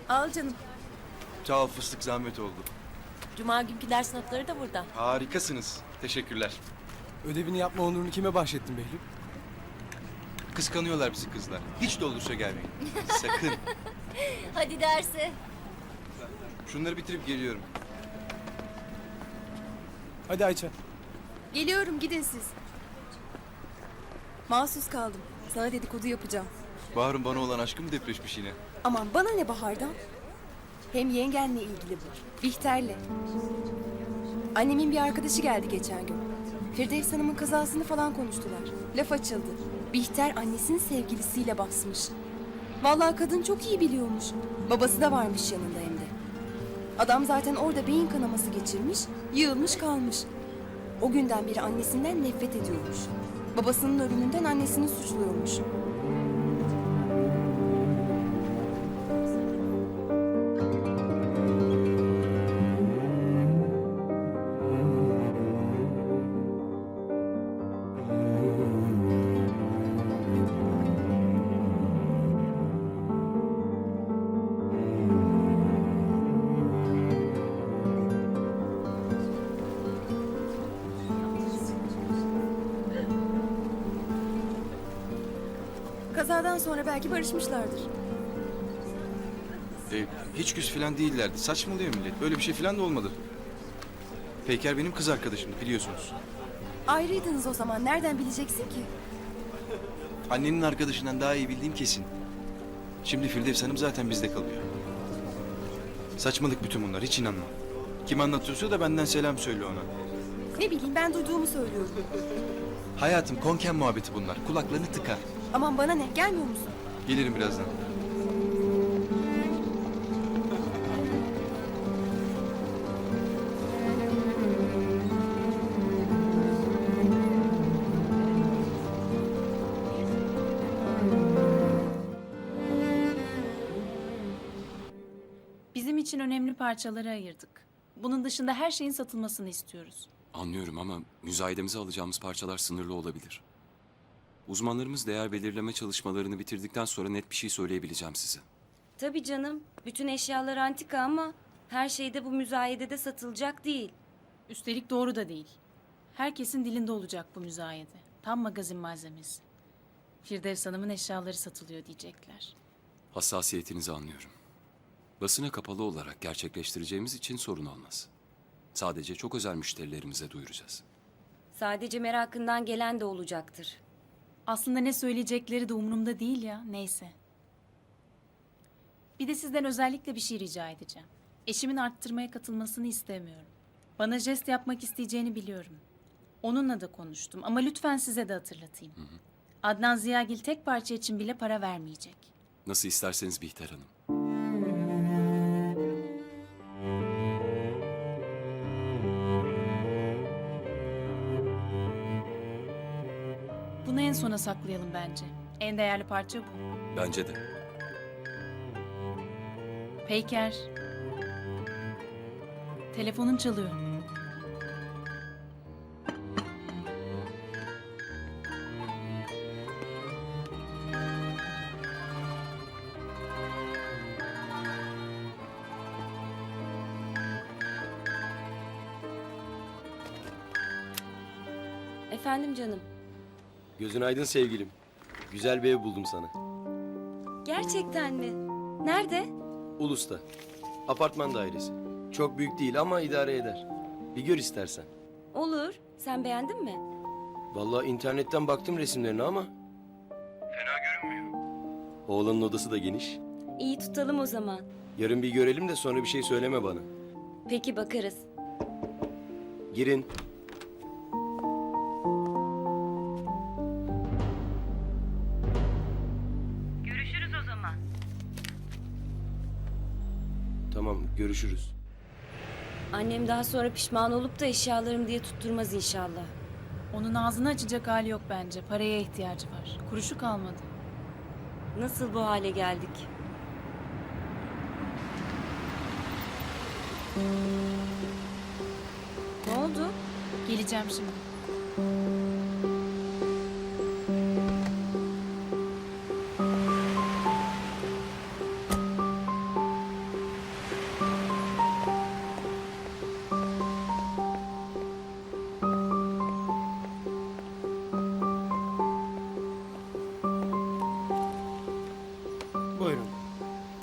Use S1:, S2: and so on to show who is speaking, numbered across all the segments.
S1: Al canım.
S2: Sağ ol fıstık, zahmet oldu.
S1: Cuma günkü ders notları da burada.
S2: Harikasınız. Teşekkürler.
S3: Ödevini yapma onurunu kime bahşettin Behlül?
S2: Kıskanıyorlar bizi kızlar. Hiç dolduruşa gelmeyin. Sakın.
S4: Hadi derse.
S2: Şunları bitirip geliyorum.
S3: Hadi Ayça.
S5: Geliyorum, gidin siz. Mahsus kaldım. Sana dedikodu yapacağım.
S2: Bahar'ın bana olan aşkı mı depreşmiş yine?
S5: Aman bana ne Bahar'dan? Hem yengenle ilgili bu. Bihter'le. Annemin bir arkadaşı geldi geçen gün. Firdevs Hanım'ın kazasını falan konuştular. Laf açıldı. Bihter annesinin sevgilisiyle basmış. Vallahi kadın çok iyi biliyormuş. Babası da varmış yanında hem de. Adam zaten orada beyin kanaması geçirmiş, yığılmış kalmış. O günden beri annesinden nefret ediyormuş. Babasının ölümünden annesini suçluyormuş. Kazadan sonra belki barışmışlardır.
S2: Hiç küs falan değillerdi. Saçmalıyor millet. Böyle bir şey falan da olmadı. Peyker benim kız arkadaşımdı biliyorsunuz.
S5: Ayrıydınız o zaman. Nereden bileceksin ki?
S2: Annenin arkadaşından daha iyi bildiğim kesin. Şimdi Firdevs Hanım zaten bizde kalıyor. Saçmalık bütün bunlar. Hiç inanma. Kim anlatıyorsa da benden selam söyle ona.
S5: Ne bileyim, ben duyduğumu söylüyorum.
S2: Hayatım konken muhabbeti bunlar. Kulaklarını tıka.
S5: Aman bana ne, gelmiyor musun?
S2: Gelirim birazdan.
S1: Bizim için önemli parçaları ayırdık. Bunun dışında her şeyin satılmasını istiyoruz.
S6: Anlıyorum ama müzayedemize alacağımız parçalar sınırlı olabilir. Uzmanlarımız değer belirleme çalışmalarını bitirdikten sonra net bir şey söyleyebileceğim size.
S4: Tabii canım. Bütün eşyalar antika ama her şey de bu müzayedede satılacak değil.
S1: Üstelik doğru da değil. Herkesin dilinde olacak bu müzayede. Tam magazin malzemesi. Firdevs Hanım'ın eşyaları satılıyor diyecekler.
S6: Hassasiyetinizi anlıyorum. Basına kapalı olarak gerçekleştireceğimiz için sorun olmaz. Sadece çok özel müşterilerimize duyuracağız.
S4: Sadece merakından gelen de olacaktır.
S1: Aslında ne söyleyecekleri de umurumda değil ya, neyse. Bir de sizden özellikle bir şey rica edeceğim. Eşimin arttırmaya katılmasını istemiyorum. Bana jest yapmak isteyeceğini biliyorum. Onunla da konuştum ama lütfen size de hatırlatayım. Adnan Ziyagil tek parça için bile para vermeyecek.
S6: Nasıl isterseniz Bihter Hanım.
S1: Bunu en sona saklayalım bence. En değerli parça bu.
S6: Bence de.
S1: Peyker. Telefonun çalıyor.
S4: Efendim canım.
S7: Gözün aydın sevgilim. Güzel bir ev buldum sana.
S4: Gerçekten mi? Nerede?
S7: Ulus'ta. Apartman dairesi. Çok büyük değil ama idare eder. Bir gör istersen.
S4: Olur. Sen beğendin mi?
S7: Vallahi internetten baktım resimlerine ama... Fena görünmüyor. Oğlanın odası da geniş.
S4: İyi tutalım o zaman.
S7: Yarın bir görelim de sonra bir şey söyleme bana.
S4: Peki bakarız.
S7: Girin.
S4: Görüşürüz o zaman.
S7: Tamam, görüşürüz.
S4: Annem daha sonra pişman olup da eşyalarım diye tutturmaz inşallah.
S1: Onun ağzını açacak hali yok bence. Paraya ihtiyacı var. Kuruşu kalmadı.
S4: Nasıl bu hale geldik? Ne oldu?
S1: Geleceğim şimdi.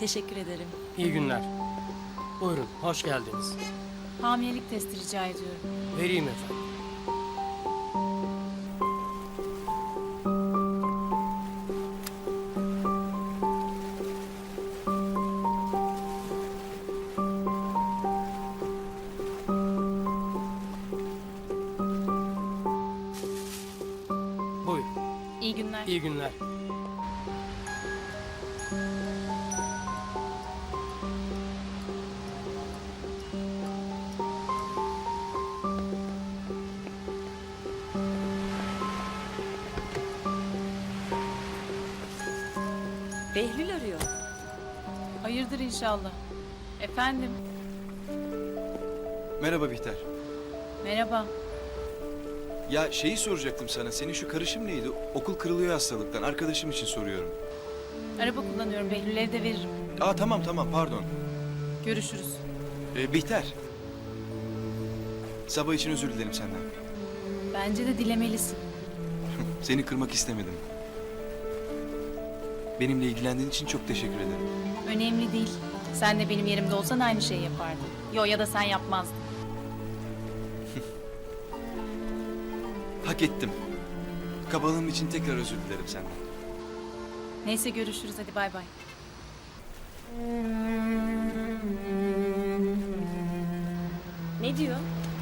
S4: Teşekkür ederim.
S8: İyi günler. Buyurun, hoş geldiniz.
S1: Hamilelik testi rica ediyorum.
S8: Vereyim efendim. Buyurun,
S1: İyi günler.
S8: iyi günler.
S4: Behlül arıyor.
S1: Hayırdır inşallah. Efendim.
S2: Merhaba Bihter.
S1: Merhaba.
S2: Ya şeyi soracaktım sana. Senin şu karışım neydi? Okul kırılıyor hastalıktan. Arkadaşım için soruyorum.
S1: Araba kullanıyorum. Behlül'e de veririm.
S2: Aa tamam pardon.
S1: Görüşürüz.
S2: Bihter. Sabah için özür dilerim senden.
S1: Bence de dilemelisin.
S2: Seni kırmak istemedim. Benimle ilgilendiğin için çok teşekkür ederim.
S1: Önemli değil. Sen de benim yerimde olsan aynı şeyi yapardın. Yo, ya da sen yapmazdın.
S2: Hak ettim. Kabalığım için tekrar özür dilerim senden.
S1: Neyse görüşürüz, hadi bay bay.
S4: Ne diyor?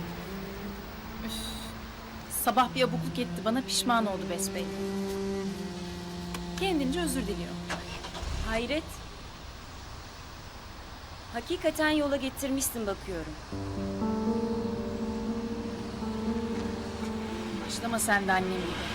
S1: Sabah bir abukluk etti bana, pişman oldu besbelli. Kendince özür diliyor.
S4: Hayret. Hakikaten yola getirmişsin bakıyorum.
S1: Başlama sen de annem gibi.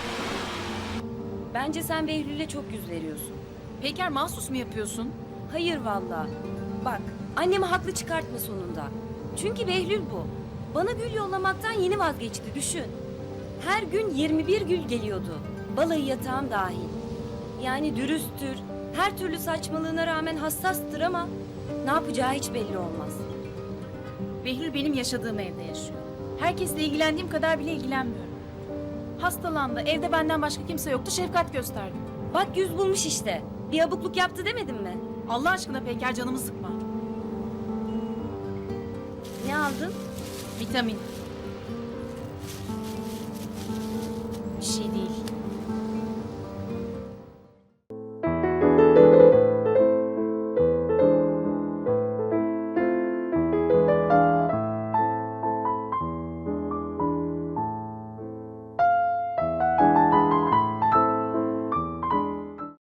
S4: Bence sen Behlül'e çok yüz veriyorsun.
S1: Peyker, mahsus mu yapıyorsun?
S4: Hayır vallahi. Bak, annemi haklı çıkartma sonunda. Çünkü Behlül bu. Bana gül yollamaktan yeni vazgeçti, düşün. Her gün 21 gül geliyordu. Balayı yatağım dahil. Yani dürüsttür, her türlü saçmalığına rağmen hassastır ama ne yapacağı hiç belli olmaz.
S1: Behlül benim yaşadığım evde yaşıyor. Herkesle ilgilendiğim kadar bile ilgilenmiyorum. Hastalandı, evde benden başka kimse yoktu, şefkat gösterdim.
S4: Bak yüz bulmuş işte. Bir abukluk yaptı demedim mi?
S1: Allah aşkına Peyker, canımı sıkma.
S4: Ne aldın?
S1: Vitamin.